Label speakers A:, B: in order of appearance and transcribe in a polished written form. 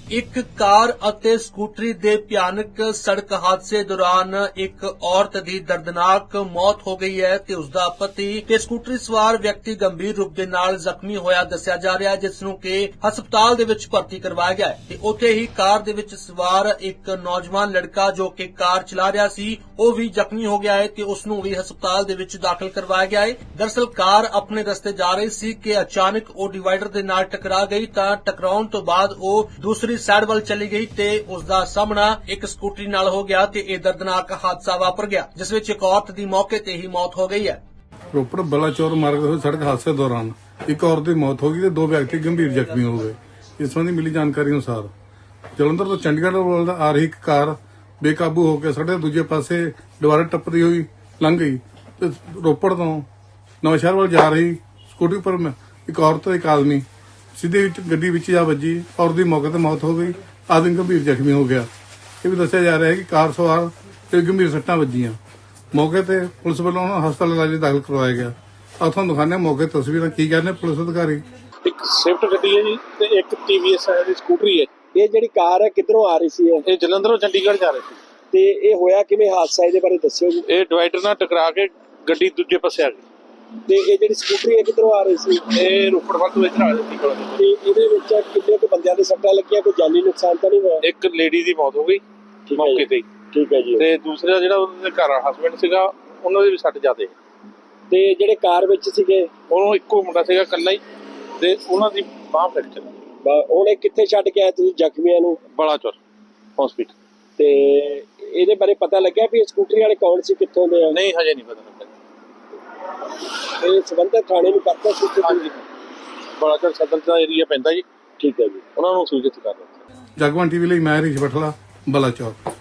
A: ਇੱਕ ਕਾਰ ਅਤੇ ਸਕੂਟਰੀ ਦੇ ਭਿਆਨਕ ਸੜਕ ਹਾਦਸੇ ਦੌਰਾਨ ਇੱਕ ਔਰਤ ਦੀ ਦਰਦਨਾਕ ਮੌਤ ਹੋ ਗਈ ਹੈ ਤੇ ਉਸ ਦਾ ਪਤੀ ਤੇ ਸਕੂਟਰੀ ਸਵਾਰ ਵਿਅਕਤੀ ਗੰਭੀਰ ਰੂਪ ਦੇ ਨਾਲ ਜ਼ਖਮੀ ਹੋਇਆ ਦੱਸਿਆ ਜਾ ਰਿਹਾ ਹੈ, ਜਿਸ ਨੂੰ ਕਿ ਹਸਪਤਾਲ ਦੇ ਵਿੱਚ ਭਰਤੀ ਕਰਵਾਇਆ ਗਿਆ ਹੈ ਤੇ ਉੱਥੇ ਹੀ ਕਾਰ ਦੇ ਵਿੱਚ ਸਵਾਰ ਇੱਕ ਨੌਜਵਾਨ ਲੜਕਾ ਜੋ ਕਿ ਕਾਰ ਚਲਾ ਰਿਹਾ ਸੀ ਉਹ ਵੀ ਜ਼ਖਮੀ ਹੋ ਗਿਆ ਹੈ ਤੇ ਉਸ ਨੂੰ ਵੀ ਹਸਪਤਾਲ ਦੇ ਵਿੱਚ ਦਾਖਲ ਕਰਵਾਇਆ ਗਿਆ ਹੈ। ਦਰਅਸਲ ਕਾਰ ਆਪਣੇ ਰਸਤੇ ਜਾ ਰਹੀ ਸੀ ਕਿ ਅਚਾਨਕ ਉਹ ਡਿਵਾਈਡਰ ਦੇ ਨਾਲ ਟਕਰਾ ਗਈ ਤਾਂ ਟਕਰਾਉਣ ਤੋਂ ਬਾਅਦ ਉਹ ਦੂਸਰੀ ਸਾਈਡ ਵੱਲ ਚਲੀ ਗਈ ਤੇ ਉਸ ਦਾ ਸਾਹਮਣਾ ਇੱਕ ਸਕੂਟਰੀ ਨਾਲ ਹੋ ਗਿਆ ਤੇ ਇਹ ਦਰਦਨਾਕ ਹਾਦਸਾ ਵਾਪਰ ਗਿਆ, ਜਿਸ ਵਿੱਚ ਇੱਕ ਔਰਤ ਦੀ ਮੌਕੇ ਤੇ ਹੀ ਮੌਤ ਹੋ ਗਈ ਹੈ।
B: ਰੋਪੜ ਬਲਾਚੌਰ ਮਾਰਗ ਤੇ ਸੜਕ ਹਾਦਸੇ ਦੌਰਾਨ ਇੱਕ ਔਰਤ ਦੀ ਮੌਤ ਹੋ ਗਈ ਤੇ 2 ਵਿਅਕਤੀ ਗੰਭੀਰ ਜ਼ਖਮੀ ਹੋ ਗਏ। ਇਸ ਸੰਬੰਧੀ ਮਿਲੀ ਜਾਣਕਾਰੀ ਅਨੁਸਾਰ ਜਲੰਧਰ ਤੋਂ ਚੰਡੀਗੜ੍ਹ ਵੱਲ ਆ ਰਹੀ ਇੱਕ ਕਾਰ ਬੇਕਾਬੂ ਹੋ ਕੇ ਸੜਕ ਦੇ ਦੂਜੇ ਪਾਸੇ ਡਿਵਾਈਡਰ ਟੱਪਦੀ ਹੋਈ ਲੰਘ ਗਈ ਤੇ ਰੋਪੜ ਤੋਂ ਨਵਾਂਸ਼ਹਿਰ ਵੱਲ ਜਾ ਰਹੀ ਸਕੂਟਰੀ ਪਰ ਇੱਕ ਔਰਤ ਤੇ ਇੱਕ ਆਦਮੀ ਸਿੱਧੇ ਵਿੱਚ ਗੱਡੀ ਵਿੱਚ ਜਾ ਵੱਜੀ। ਔਰਤ ਦੀ ਮੌਕੇ ਤੇ ਮੌਤ ਹੋ ਗਈ, ਆਦਮੀ ਗੰਭੀਰ ਜ਼ਖਮੀ ਹੋ ਗਿਆ। ਇਹ ਵੀ ਦੱਸਿਆ ਜਾ ਰਿਹਾ ਹੈ ਕਿ ਕਾਰ ਸਵਾਰ ਤੇ ਗੰਭੀਰ ਸੱਟਾਂ ਵੱਜੀਆਂ। ਮੌਕੇ ਤੇ ਪੁਲਿਸ ਵੱਲੋਂ ਹਸਪਤਾਲ ਇਲਾਜ ਦਾਖਲ ਕਰਵਾਇਆ ਗਿਆ। ਆਹ ਤੁਹਾਨੂੰ ਦਿਖਾਉਂਦੇ ਹਾਂ ਮੌਕੇ ਤਸਵੀਰਾਂ ਕੀ ਕਹਿੰਦੇ ਪੁਲਿਸ ਅਧਿਕਾਰੀ।
C: ਇੱਕ ਸਵਿਫਟ ਗੱਡੀ ਹੈ ਜੀ ਤੇ ਇੱਕ TVS ਦੀ ਸਕੂਟਰੀ ਹੈ।
D: ਇਹ ਜਿਹੜੀ ਕਾਰ ਹੈ ਕਿੱਧਰੋਂ ਆ ਰਹੀ ਸੀ?
C: ਇਹ ਜਲੰਧਰੋਂ ਚੰਡੀਗੜ੍ਹ ਜਾ ਰਹੀ ਸੀ।
D: ਤੇ ਇਹ ਹੋਇਆ ਕਿਵੇਂ ਹਾਦਸਾ, ਇਹਦੇ ਬਾਰੇ ਦੱਸਿਓ ਜੀ।
C: ਇਹ ਡਿਵਾਈਡਰ ਨਾਲ ਟਕਰਾ ਕੇ ਗੱਡੀ ਦੂਜੇ ਪਾਸੇ ਆ ਗਈ
D: ਤੇ ਇਹ ਜਿਹੜੀ ਸਕੂਟਰੀ ਹੈ ਕਿੱਧਰੋਂ ਆ ਰਹੀ ਸੀ?
C: ਇਹ ਰੋਪੜ ਵੱਲ ਤੋਂ ਇੱਧਰ ਆ ਰਹੀ ਸੀ।
D: ਤੇ ਇਹਦੇ ਵਿੱਚ ਕਿੰਨੇ ਕੁ ਬੰਦਿਆਂ ਦੇ ਸੱਟਾਂ ਲੱਗੀਆਂ, ਕੋਈ ਜਾਨੀ ਨੁਕਸਾਨ ਤਾਂ ਨਹੀਂ ਹੋਇਆ?
C: ਇੱਕ ਲੇਡੀ ਦੀ ਮੌਤ ਹੋ ਗਈ ਮੌਕੇ ਤੇ ਹੀ।
D: ਠੀਕ ਹੈ ਜੀ।
C: ਤੇ ਦੂਸਰਾ ਜਿਹੜਾ ਉਹਦੇ ਘਰ ਹਸਬੈਂਡ ਸੀਗਾ ਉਹਨਾਂ ਦੇ ਵੀ ਸੱਟ ਜ਼ਿਆਦੇ।
D: ਤੇ ਜਿਹੜੇ ਕਾਰ ਵਿੱਚ ਸੀਗੇ
C: ਉਹਨੂੰ ਇੱਕੋ ਮੁੰਡਾ ਸੀਗਾ ਇਕੱਲਾ ਹੀ ਤੇ ਉਹਨਾਂ ਦੀ ਬਾਂਹ ਫ੍ਰੈਕਚਰ।
D: ਹੁਣ ਇਹ ਕਿੱਥੇ ਛੱਡ ਕੇ ਆਏ ਤੁਸੀਂ ਜ਼ਖਮੀਆਂ ਨੂੰ?
C: ਬਲਾਚੌਰ ਹਸਪੀਟਲ।
D: ਤੇ ਇਹਦੇ ਬਾਰੇ ਪਤਾ ਲੱਗਿਆ ਵੀ ਇਹ ਸਕੂਟਰੀ ਵਾਲੇ ਕੌਣ ਸੀ, ਕਿੱਥੋਂ ਦੇ ਆ?
C: ਨਹੀਂ ਹਜੇ ਨਹੀਂ ਪਤਾ ਲੱਗਾ।
D: ਇਹ ਸੰਬੰਧਿਤ ਥਾਣੇ ਨੂੰ ਕਰਤਾ ਸੀ?
C: ਹਾਂਜੀ ਬਲਾਚੌਰ ਸਦਰ ਦਾ ਏਰੀਆ ਪੈਂਦਾ ਜੀ।
D: ਠੀਕ ਹੈ ਜੀ।
C: ਉਹਨਾਂ ਨੂੰ ਸੂਚਿਤ ਕਰ ਦਿੱਤਾ।
B: ਜਗਬਾਣੀ ਟੀਵੀ ਲਈ ਮੈਂ ਹਰੀਸ਼ ਬਠਲਾ, ਬਲਾਚੌਰ।